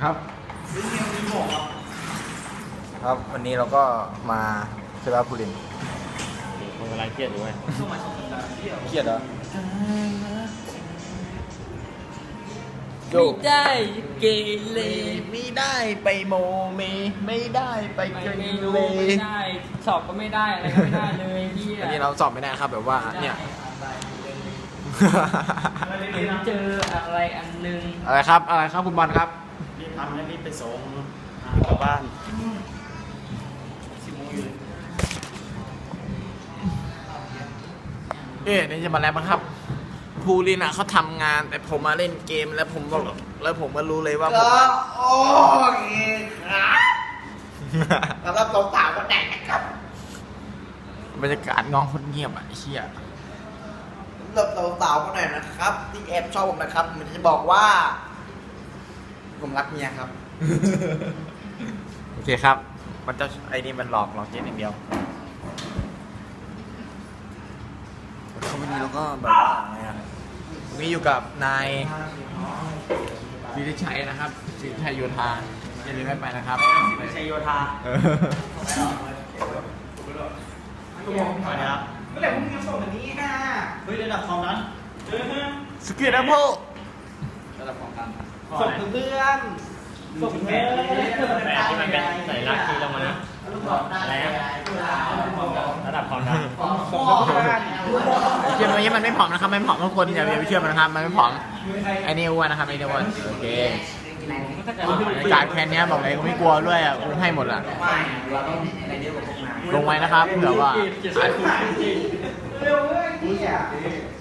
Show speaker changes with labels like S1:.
S1: ครับครับวันนี้เราก็มาเซราบุรินทร์
S2: คนกำลังเครียดอยู่ไหม
S1: เครียดเหรอโย
S2: ไม่ได้เกเร
S1: ไม่ได้ไปโมเมไม่ได้ไปเก
S2: ไม่
S1: เร
S2: รู้ไม่ได้สอบก็ไม่ได้อะไรก็ไม่ได้เลยพี่
S1: อันนี้เราสอบไม่ได้ครับแบบว่าเนี่ย
S2: เห็นเจออะไรอันนึง
S1: อะไรครับอะไรครับคุณบอลครับ
S3: รีบทำแล้วรีบไปส่งกลับบ้าน10 โมงอยู่เลย
S1: นี่จะมาแล้วครับภูรินอ่ะเขาทำงานแต่ผมมาเล่นเกมแล้วผมก็รู้เลยว่าผม
S4: โอเคครับสำหรับสาวๆคนไหนนะครับ
S1: บรรยากาศงองคนเงียบอ่ะไอ้เชี่ย
S4: สำหรับสาวๆคนไหนนะครับ ที่แอบชอบผมนะครับผมจะบอกว่า ผมรักเมียครับ
S1: โอเคครับมันจะไอ้นี่มันหลอกเจ๊อย่างเดียวเขาวันนี้เราก็แบบว่าไงอ่ะวันนี้อยู่กับนายวิริชัยนะครับวิริชัยโยธาอย่าลืมไม่ไปนะครับ
S3: ชัยโยธา
S1: เออ
S3: สวัสดีครับ
S4: เมื่อไหร่พรุ่งนี้ส่งแบบนี้นะ
S3: เฮ้ยระดับความนั้น
S1: สกิลดับเบิล
S4: ส่งถึงเพื่อน
S3: ส่งแผนที่มันเป็นสัญลักษณ์ที่ลงมานะอะไรนะระดับความนั้น
S1: เชื่อไหมมันไม่ผอมนะครับไม่ผอมทุกคนอย่าไปเชื่อมันนะครับมันไม่ผอมไอ้นี่อ้วนนะครับไอ้นี่อ้วนโอเคการแค่นี้บอกเลยกูไม่กลัวด้วยอ่ะกูให้หมดอ่ะลงไว้นะครับเผื่อว่า
S4: เร็วเลยพี่อ่ะ